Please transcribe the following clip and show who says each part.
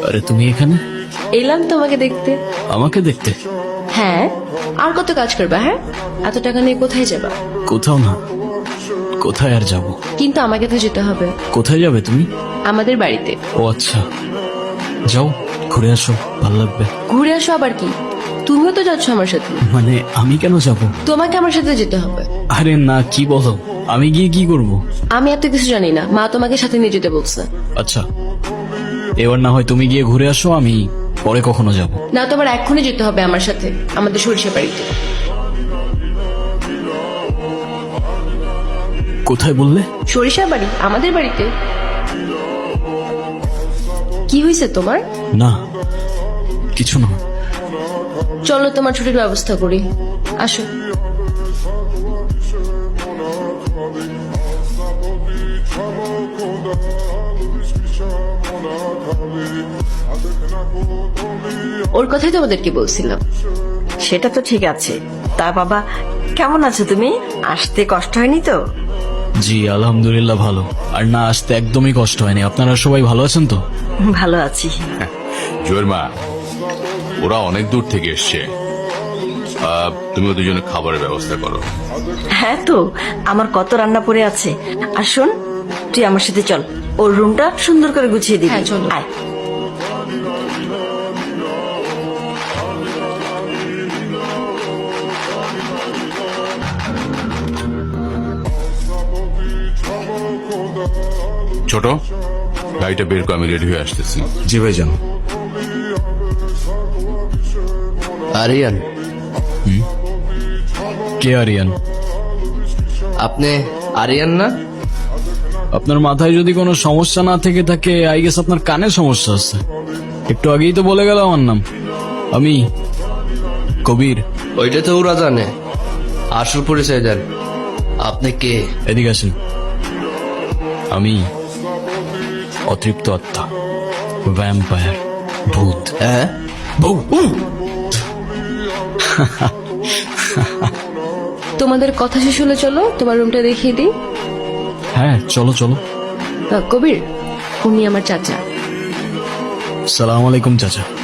Speaker 1: আরে তুমি এখানে?
Speaker 2: এলাম তোমাকে দেখতে।
Speaker 1: আমাকে দেখতে?
Speaker 2: হ্যাঁ, আর কত কাজ করবা? হ্যাঁ, এত টাকা নিয়ে কোথায় যাবা?
Speaker 1: কোথাও না। কোথায় আর যাব?
Speaker 2: কিন্তু আমাকে তো যেতে হবে।
Speaker 1: কোথায় যাবে তুমি?
Speaker 2: আমাদের বাড়িতে।
Speaker 1: ও আচ্ছা, যাও ঘুরে আসো, ভালো লাগবে।
Speaker 2: ঘুরে আসো আবার কি? তুমিও তো যাচ্ছ আমার সাথে।
Speaker 1: মানে আমি কেন যাব?
Speaker 2: তোমাকে আমার সাথে যেতে হবে।
Speaker 1: আরে না, কি বলো? আমি গিয়ে কি করব?
Speaker 2: আমি এত কিছু জানি না, মা তোমাকে সাথে নিয়ে যেতে বলছে।
Speaker 1: আচ্ছা, এবার না হয় তুমি গিয়ে ঘুরে আসো, আমি পরে কখনো যাব।
Speaker 2: না, তোমার এক্ষুনি যেতে হবে আমার সাথে আমাদের সরিষা বাড়িতে।
Speaker 1: কোথায় বললে?
Speaker 2: সরিষা বাড়ি, আমাদের বাড়িতে। কি হয়েছে তোমার?
Speaker 1: না, কিছু না।
Speaker 2: চলো তোমার ছুটির ব্যবস্থা করি, আসো। ওর কথাই তোমাদেরকে বলছিলাম।
Speaker 3: সেটা তো ঠিক আছে। তা বাবা, কেমন আছো তুমি? আসতে কষ্ট হয়নি তো?
Speaker 1: জি আলহামদুলিল্লাহ ভালো। আর না আসতে একদমই কষ্ট হয়নি। আপনারা সবাই ভালো আছেন তো?
Speaker 3: ভালো আছি।
Speaker 4: জয়ের মা, ওরা অনেক দূর থেকে এসছে, তুমি ওদের জন্য খাবারের ব্যবস্থা করো।
Speaker 3: হ্যাঁ তো, আমার কত রান্না পড়ে আছে। আর শোন, তুই আমার সাথে চল, ওর রুমটা সুন্দর করে গুছিয়ে দিবি।
Speaker 2: হ্যাঁ, চলো।
Speaker 3: আয়।
Speaker 4: ছোট, গাড়িটা বের করে আমি রেডি হয়ে আসতেছি।
Speaker 5: জি ভাইজান।
Speaker 6: আরিয়ান,
Speaker 1: কে আরিয়ান?
Speaker 6: আপনি আরিয়ান না?
Speaker 1: আপনার মাথায় যদি কোনো সমস্যা না থেকে থাকে, আই গেস আপনার কানে সমস্যা আছে। একটু আগেই তো বলে গেল আমার নাম। আমি কবির।
Speaker 6: ওইটা তো ওরা জানে, আসল পরিচয় দেন। আপনি কে?
Speaker 1: এদিকে আসেন। আমি অতৃপ্ত আত্মা, ভ্যাম্পায়ার, ভূত।
Speaker 6: হ্যাঁ,
Speaker 2: তোমাদের কথা শেষ হলে চলো তোমার রুমটা দেখিয়ে দিই।
Speaker 1: হ্যাঁ চলো চলো।
Speaker 2: কবির, উনি আমার চাচা।
Speaker 1: সালাম আলাইকুম চাচা।